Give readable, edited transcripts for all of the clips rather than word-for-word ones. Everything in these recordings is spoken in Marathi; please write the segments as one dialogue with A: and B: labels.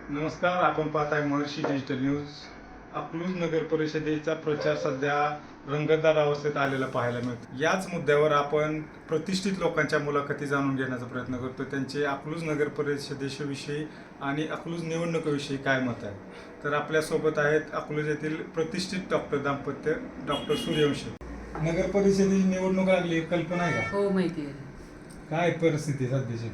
A: नमस्कार, आपण पाहताय महर्षी डिजिटल न्यूज. अकलूज नगर परिषदेचा प्रचार सध्या रंगतदार अवस्थेत आलेला पाहायला मिळतो. याच मुद्द्यावर आपण प्रतिष्ठित लोकांच्या मुलाखती जाणून घेण्याचा प्रयत्न करतो. त्यांचे अकलूज नगर परिषदेविषयी आणि अकलूज निवडणुकीविषयी काय मत आहे. तर आपल्यासोबत आहेत अकलूज येथील प्रतिष्ठित डॉक्टर दाम्पत्य डॉक्टर सूर्यवंशी. नगर परिषदेची निवडणूक लागली, कल्पना आहे का?
B: हो, माहिती आहे.
A: काय परिस्थिती सध्याची?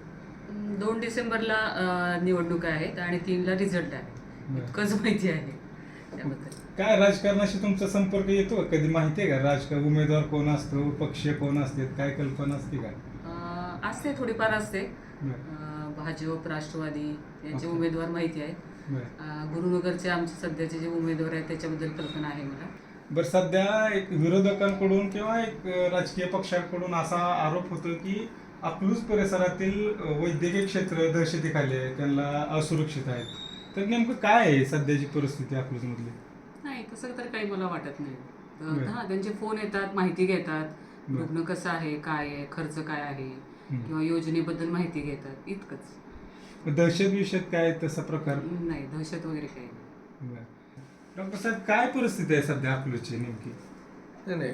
B: 2 डिसेंबरला निवडणुका आहेत आणि 3ला रिझल्ट आहे. इतकंच माहिती आहे त्याबद्दल.
A: काय राजकारणाशी तुमचा संपर्क येतो? कधी माहिती आहे का राजकारण उमेदवार कोण असतो, पक्ष कोण असते, काय कल्पना असते का?
B: असते, थोडीफार असते. भाजप, राष्ट्रवादी यांचे उमेदवार माहिती आहेत. गुरुनगरचे आमचे सध्याचे जे उमेदवार आहेत त्याच्याबद्दल कल्पना आहे मला.
A: बरं, सध्या एक विरोधकांकडून किंवा एक राजकीय पक्षांकडून असा आरोप होतो की अकलूज परिसरातील वैद्यकीय क्षेत्र दहशतीखाली आहे, त्यांना असुरक्षित आहेत. तर नेमकं काय आहे सध्याची परिस्थिती अकलूज मधली?
B: नाही, तसं तर काही मला वाटत नाही. त्यांचे फोन येतात, माहिती घेतात, रुग्ण कसं आहे, काय आहे, खर्च काय आहे किंवा योजनेबद्दल माहिती घेतात, इतकंच.
A: दहशत विषयात काय तसा प्रकार
B: नाही, दहशत वगैरे काही नाही.
A: डॉक्टर साहेब, काय परिस्थिती आहे सध्या अकलूजची नेमकी?
C: नाही,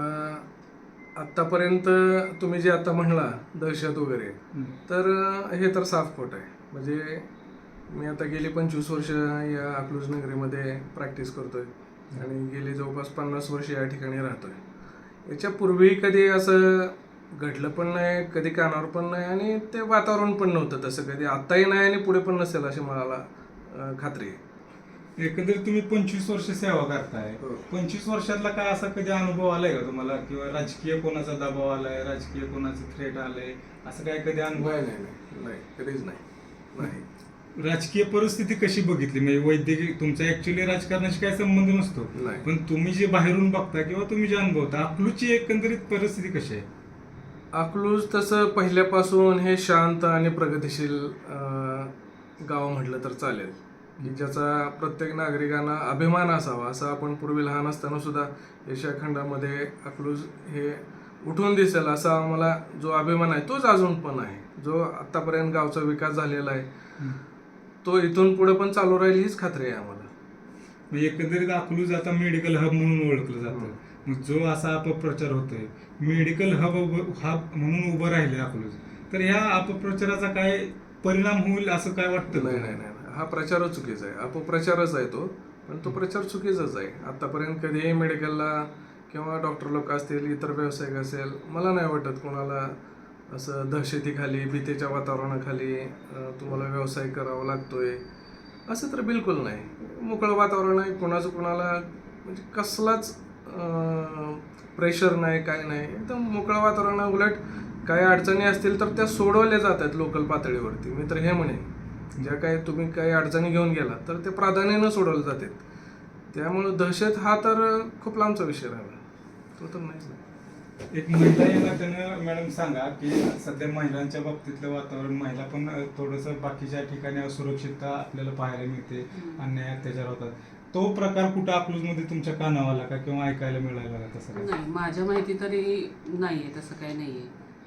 C: आत्तापर्यंत तुम्ही जे आता म्हणला दहशत वगैरे, तर हे तर साफ खोट आहे. म्हणजे मी आता गेली 25 वर्ष या अकलूज नगरीमध्ये प्रॅक्टिस करतोय आणि गेली जवळपास 50 वर्ष या ठिकाणी राहतोय. याच्यापूर्वी कधी असं घडलं पण नाही, कधी कानावर पण नाही आणि ते वातावरण पण नव्हतं तसं कधी. आत्ताही नाही आणि पुढे पण नसेल अशी मला खात्री आहे.
A: एकंदरीत तुम्ही 25 वर्ष सेवा करताय. 25 वर्षातला काय असा कधी अनुभव आलाय का तुम्हाला, किंवा राजकीय कोणाचा दबाव आलाय, राजकीय कोणाचं थ्रेट आलंय, असं काय कधी अनुभव?
C: नाही, कधीच नाही.
A: राजकीय परिस्थिती कशी बघितली? म्हणजे वैद्यकीय तुमचा ऍक्च्युअली राजकारणाशी काय संबंध नसतो, पण तुम्ही जे बाहेरून बघता किंवा तुम्ही जे अनुभवता, अकलूजची एकंदरीत परिस्थिती कशी आहे?
C: अकलूज तसं पहिल्यापासून हे शांत आणि प्रगतिशील गाव म्हटलं तर चालेल, की ज्याचा प्रत्येक नागरिकांना अभिमान असावा. असं आपण पूर्वी लहान असताना सुद्धा एशिया खंडामध्ये अकलूज हे उठून दिसेल असा आम्हाला जो अभिमान आहे तोच अजून पण आहे. जो आतापर्यंत गावचा विकास झालेला आहे तो इथून पुढे पण चालू राहील हीच खात्री आहे आम्हाला.
A: एकंदरीत अकलूज आता मेडिकल हब म्हणून ओळखलं जातं. मग जो असा अपप्रचार होतोय, मेडिकल हब म्हणून उभं राहिले अकलूज, तर ह्या अपप्रचाराचा काय परिणाम होईल असं काय वाटतं?
C: नाही, हा प्रचारच चुकीचा आहे. अपप्रचारच आहे तो, पण तो प्रचार चुकीचाच आहे. आतापर्यंत कधीही मेडिकलला किंवा डॉक्टर लोक असतील, इतर व्यावसायिक असेल, मला नाही वाटत कोणाला असं दहशतीखाली, भीतीच्या वातावरणाखाली तुम्हाला व्यवसाय करावा लागतोय असं तर बिलकुल नाही. मोकळं वातावरण आहे, कोणाचं कोणाला म्हणजे कसलाच प्रेशर नाही, काय नाही, एकदम मोकळं वातावरण आहे. उलट काही अडचणी असतील तर त्या सोडवल्या जातात लोकल पातळीवरती. मी तर हे म्हणेन, ज्या काही तुम्ही काही अडचणी घेऊन गेला तर ते प्राधान्यानं सोडवले जातात. त्यामुळं दहशत हा तर खूप लांबचा विषय राहिला, तो तर नाहीच नाही.
A: एक महिला या नात्यानं मॅडम सांगा की सध्या महिलांच्या बाबतीतलं वातावरण, महिला पण थोडंसं बाकीच्या ठिकाणी असुरक्षितता आपल्याला पाहायला मिळते, अन्याय अत्याचार होतात. तो प्रकार कुठं अकलूजमध्ये तुमच्या कानावर आला का किंवा ऐकायला मिळाला का? तसं
B: नाही, माझ्या माहिती तरी नाहीये, तसं काही नाहीये.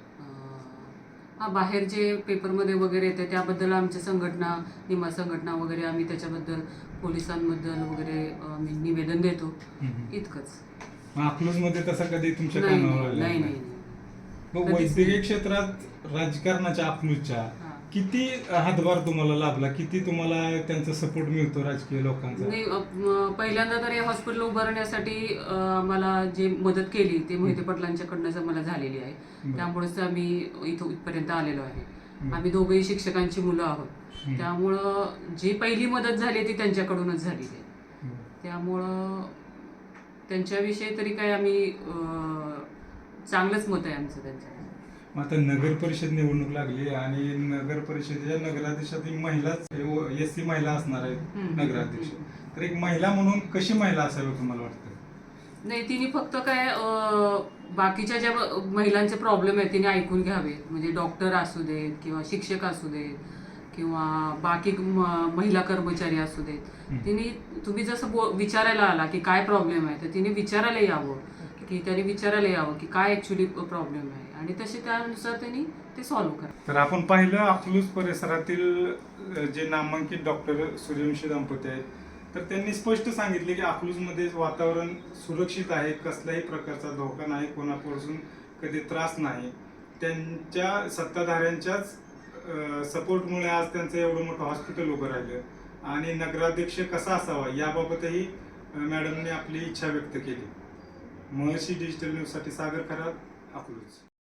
B: बाहेर जे पेपरमध्ये वगैरे येते त्याबद्दल आमच्या संघटना, निमा संघटना वगैरे, आम्ही त्याच्याबद्दल पोलिसांबद्दल वगैरे आम्ही निवेदन देतो, इतकंच.
A: अकलूज मध्ये तसं कधी तुमच्या कानावर आलं?
B: नाही.
A: मग वैद्यकीय क्षेत्रात राजकारणाच्या अकलूजच्या किती हातभार तुम्हाला लाभला, किती तुम्हाला त्यांचा सपोर्ट मिळतो राजकीय लोकांचा?
B: नाही, पहिल्यांदा तर हे हॉस्पिटल उभारण्यासाठी मला जे मदत केली ते मोहिते पाटलांच्याकडनं मला झालेली आहे. त्यामुळेच आम्ही इथपर्यंत आलेलो आहे. आम्ही दोघेही शिक्षकांची मुलं आहोत, त्यामुळं जी पहिली मदत झाली ती त्यांच्याकडूनच झालेली आहे. त्यामुळं त्यांच्याविषयी तरी काय आम्ही चांगलंच मत आहे आमचं त्यांच्या.
A: आता नगर परिषद निवडणूक लागली आणि नगर परिषदेच्या नगराध्यक्षातील महिलाच SC महिला असणार आहेत नगराध्यक्ष. तर एक महिला म्हणून कशी महिला असावी तुम्हाला वाटतं?
B: नाही, तिने फक्त काय बाकीच्या ज्या महिलांचे प्रॉब्लेम आहेत तिने ऐकून घ्यावे. म्हणजे डॉक्टर असू देत किंवा शिक्षक असू देत किंवा बाकी महिला कर्मचारी असू देत, तिने तुम्ही जसं विचारायला आला की काय प्रॉब्लेम आहे तर तिने विचारायला यावं की काय ॲक्च्युली प्रॉब्लेम आहे आणि तसे त्यानुसार त्यांनी ते सॉल्व्ह करा.
A: तर आपण पाहिलं अकलूज परिसरातील जे नामांकित डॉक्टर सूर्यवंशी दाम्पत्य आहेत, तर त्यांनी स्पष्ट सांगितले की अकलूजमध्ये वातावरण सुरक्षित आहे, कसल्याही प्रकारचा धोका नाही, कोणापासून कधी त्रास नाही. त्यांच्या सत्ताधाऱ्यांच्याच सपोर्टमुळे आज त्यांचं एवढं मोठं हॉस्पिटल उभं राहिलं आणि नगराध्यक्ष कसा असावा याबाबतही मॅडमने आपली इच्छा व्यक्त केली. महर्षी डिजिटल न्यूजसाठी सागर खरात, अकलूज.